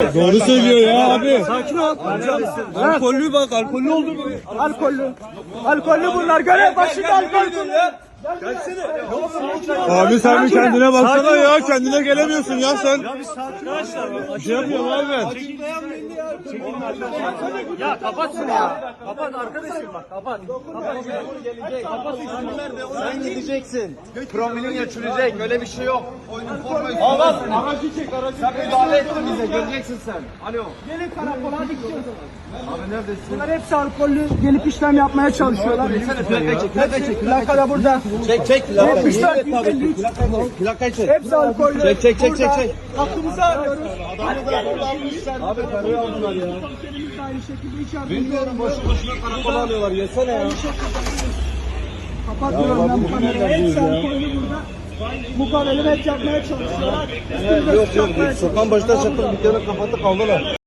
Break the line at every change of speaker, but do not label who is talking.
Doğru söylüyor ya abi.
Sakin ol. Alkollü bak, alkollü oldu mu? Alkollü. Alkollü bunlar. Görev başında alkollü.
Abi sen bir kendine baksana ya. Kendine gelemiyorsun ya sen.
Ya bir sakin arkadaşlar.
Bir şey yapıyorum abi ben.
Ya kapat şunu ya. Kapat arkadaşım bak, kapat. Kapat.
Sen gideceksin. Promilin ölçülecek. Öyle bir şey yok.
Al al. Aracı çek, aracı.
Sen müdahale ettin bize. Göreceksin sen. Alo.
Gelin karakola, hadi gidiyoruz.
Abi neredesin?
Bunlar hepsi alkollü, gelip işlem yapmaya çalışıyorlar.
Plakayı çek.
Plaka da burada.
Çek.
74 153.
Plakayı çek.
Hepsi alkollü.
Çek.
Burada hakkımızı arıyoruz.
Abi karıyı aldılar ya.
Komiserimiz de aynı şekilde içeride.
Bilmiyorum boşuna karakola alıyorlar. Yesene ya.
Kapatıyorum ben bu kamerayı. Hepsi alkollü burada. Mukavele yapmaya çalışıyorlar.
Yok. Sokağın başına çaktım. Bir kere kapattı kaldılar.